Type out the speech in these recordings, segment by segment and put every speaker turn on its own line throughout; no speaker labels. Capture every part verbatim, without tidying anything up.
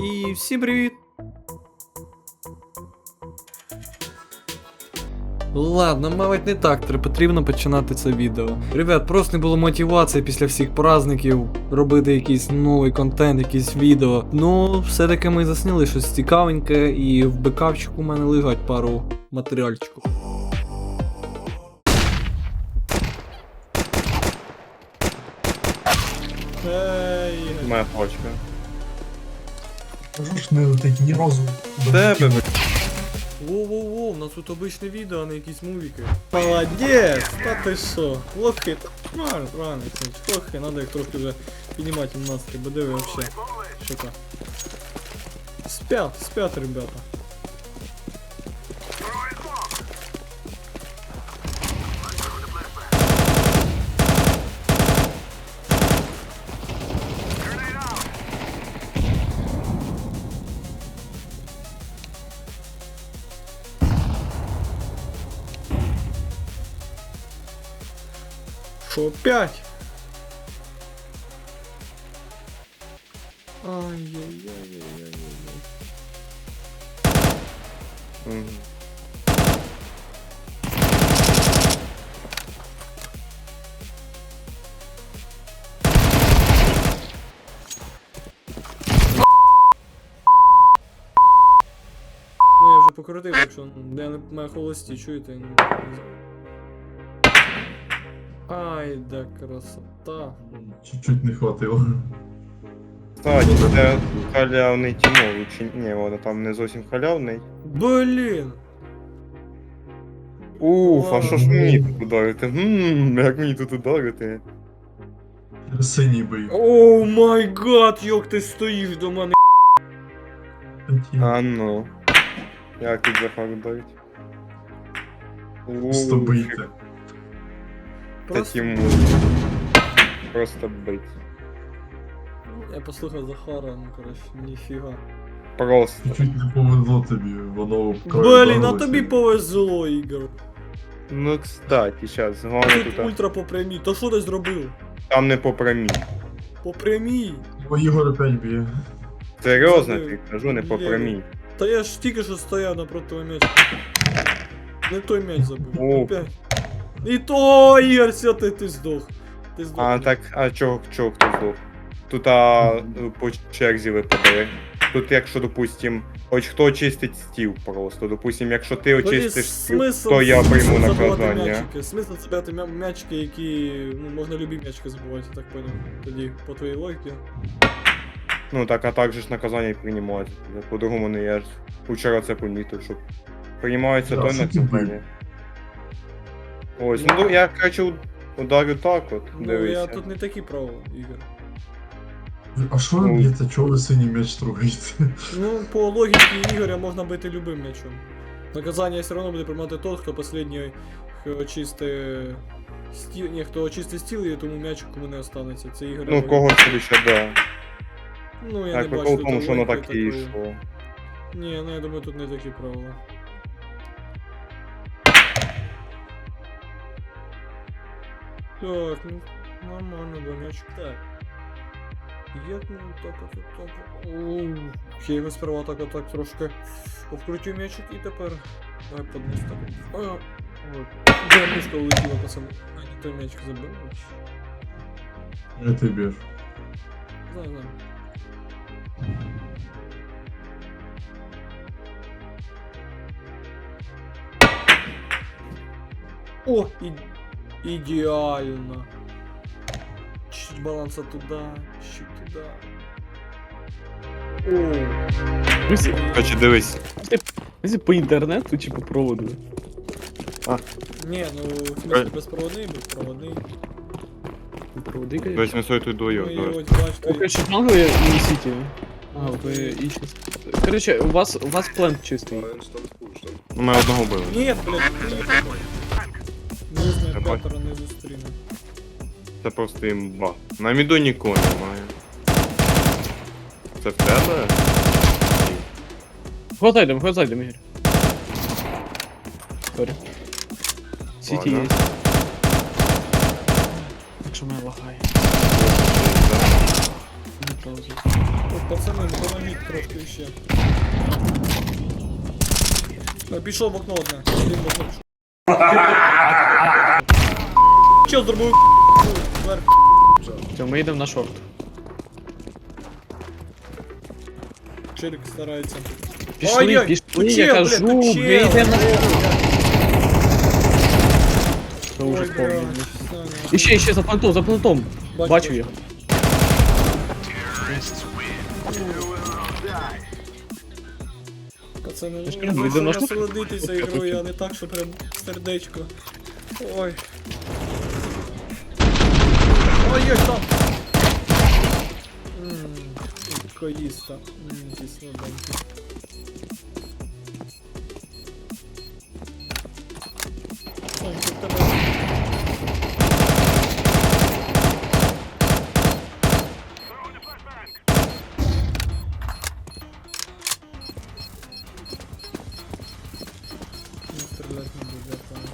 І всім привіт! Ладно, мабуть, не так потрібно починати це відео. Ребят, просто не було мотивації після всіх праздників робити якийсь новий контент, якісь відео. Ну, все-таки ми засняли щось цікавеньке, і в бекапчику у мене лежать пару матеріальчиків. Ей,
Моя почка.
Кажу ж не летить ні разу.
Тебе ви.
Воу-воу-воу, у нас тут обичне відео, а не якісь мувіки. Молодець! Та ти що? Лохи, правильно, правильно, лохи, надо їх трохи вже піднімати їм настрій, бо диви вообще. Що то? Спят, спят, ребята. Шо, пять? Ай-яй-яй-яй-яй-яй.
Мгм.
Ну я вже покрутив, якщо я не маю холості, чуєте? Ай, да красота.
Чуть-чуть не хватило.
Кстати, це халявний Тімович. Ні, воно там не зовсім халявний.
Блін!
Уф, а що ж
Ладно.
мені тут ударити? Ммм, як мені тут ударити?
Синій бий.
Оу май гад, як ти стоїш до мене.
А ну. Як тут Захар ударить?
Просто бийте.
Це
Просто...
Тімович. Просто бить.
Я послухав Захара, ну коротше, ніфіга.
Просто.
Чуть-чуть не повезло тобі, воно
Блін, а тобі повезло, Ігор.
Ну, кстати, щас, головне
Тут
тут.
ультра по прямій, то що ти зробив?
Там не по прямій.
По прямій?
Бо Ігор опять б'є.
Серйозно
Забив.
ти кажу, не по
Є.
прямій.
Та я ж тільки що стояв напроти того м'яча. Не той м'яч забив.
О.
Опять. І то, Ігор, все, ти, ти здох. Ти здох.
А так, а чого, чого хто здох? Тут а, по черзі випадає. Тут, якщо, допустим, хоч хто чистить стіл просто. Допустим, якщо ти
Тоді
очистиш стіл,
смисл-
то я
смисл
прийму
забивати
наказання.
М'ячики. Смисл забивати м'я- м'ячики, які, ну, можна любі м'ячики забивати, я так понял. Тоді, по твоїй логіці.
Ну так, а так же ж наказання і приймається. По-другому не я ж вчора це помітив, що приймається
Да,
той
що ти
наказання. Ось, ну я, короче, ударю так от,
Ну,
дивися.
я тут не такі правила, Ігор.
А що ви б'єте? Чого ви синій м'яч трогаєте?
Ну, по логіці Ігоря можна бити любим м'ячом. Наказання все одно буде приймати тот, хто останній очистить стіл. Ні, хто очистить стіл, і тому м'яч кому не останеться. Це Ігор.
Ну, кого це ще, да.
Ну, я
Так,
не
прикол
бачу
в тому,
тут
що воно
логіки
так і
такої.
йшло.
Ні, ну я думаю, тут не такі правила. Так, ну, нормально, да, м'ячик. Так. Як ну так от так от. Оу. Я його сперва так отак трошки обкрутив м'ячик і тепер. Давай подніс так. А, от. Де мишка улетіла, пацани. А, не той м'ячик забив.
Я ти б'єш.
Знаю, знаю. О, і... ідеально. Чуть баланса туда, чуть туда. О,
Друзі,
Короче, дивись.
друзі, по інтернету чи по проводу?
не, ну в смысле безпроводний, безпроводний.
По проводи,
Тобто
конечно.
ми сою тут двоє.
Ну, і
давай.
ось бачите.
О, короче, манго я і Сіті. А, ви і щас. Короче, у вас, у вас плент чистий.
Ну, ми одного били.
Ні, блядь, не знаю,
Давай.
п'ятеро не зустріне.
Це просто імба. На міду нікого немає. Це в тебе?
Ход зайдем, ход зайдем, Ігор. Сорі. Сіті є.
Ладно.
Якщо мене лагає. Не паузу.
пацани, допоможіть трошки ще. А, пішов в окно одне. Один в окно пішов. Чел зробив зверху.
Все, ми йдемо на шорт.
Челік старається.
Пішли,
Ой-ой,
пішли,
тут
я
чел,
кажу,
блядь, тут
ми
чел.
йдемо на шорт. Це
Ой,
уже
блядь,
повний.
Саня.
Іще, іще, за плентом, за плентом.
Бачу,
Бачу
бачу.
його.
Пацани,
Я ж
ну,
кажу,
ви
йдемо на
що
шорт.
насолодитися ігрою, а не так, що прям сердечко. Ой. Ой, є там. Ммм, коїста. Ммм, ті слабенькі. Ой, тут тебе... Не стрелять не буду, я понял.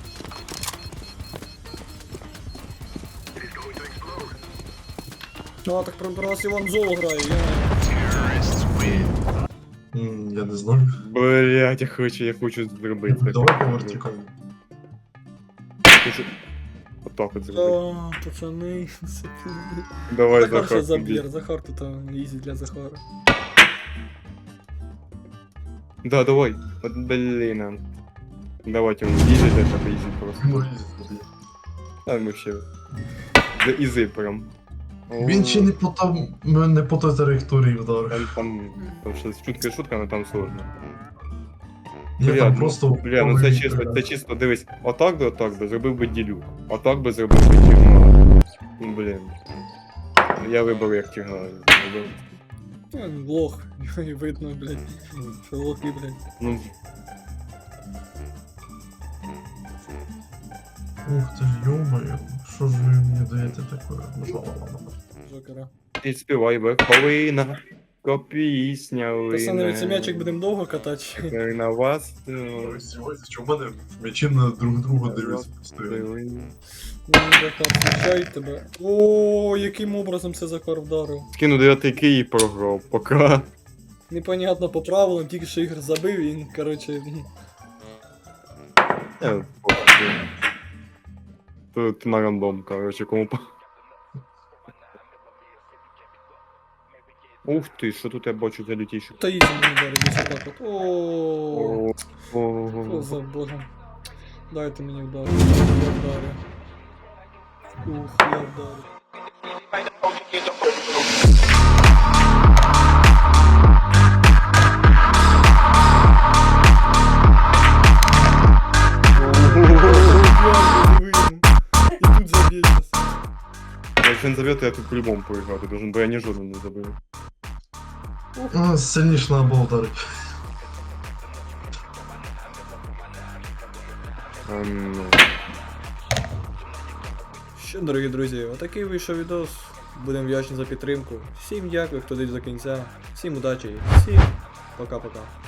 Ну, а так про, про вас Іван Золо грає, я...
М, Я не знаю.
Блять, я хочу, я хочу зробити. це.
Давай по вертикалі.
Хочу- Отак от зробити.
О, пацани, це пізди.
Давай,
Захар ще
Захар.
заб'єр, Захар тут там ізі для Захара.
Да, давай. От, блін. а. Давайте, ізі для тебе, ізі просто.
Ну, їздить, блін.
А ми ще. Да ізі прям.
Він ще не по там, не по той траєкторії вдарив.
Там, там, там щось шутка шутка, але там сложно.
Ні,
Бля,
там
ну,
просто...
Бля, ну це
повний
чисто,
вдарив.
це чисто, дивись, отак би, отак би, зробив би ділю. Отак би зробив би тігла. Ну, блін. Я вибрав як тігла. зробив.
Ну, лох, і видно, блядь, що лохи, блядь.
Ну,
Ух ти ж, йомаю, що ж ви мені даєте таке?
Жокера.
і співай верховина, копісня
Пацани, цей м'ячик
лине.
будемо довго катати.
На вас.
Ви здіваєтесь, що в мене м'ячі на друг друга дивляться постійно.
Ну, Захар, включай тебе. О, яким образом це Захар вдарив?
Скину дев'ятий кий і програв. Пока.
Непонятно по правилам, тільки що ігор забив, і він, короче,
Я похуй. Тут на рандом, короче, кому по. Ух ти, що тут я бачу за лютіші.
та ізі мені вдарив, десь отак от. О,
О,
що за богом. Дайте мені вдарити, я вдарю. Ух, я вдарю. І тут заб'є щас.
Якщо він заб'є, то я тут по-любому проіграти должен, бо я ні жодного не забив.
А, сильніше треба було вдарити.
Ем, ну.
Що, дорогі друзі, отакий вийшов відос. Будемо вдячні за підтримку. Всім дякую, хто дивиться до кінця. Всім удачі і всім пока-пока.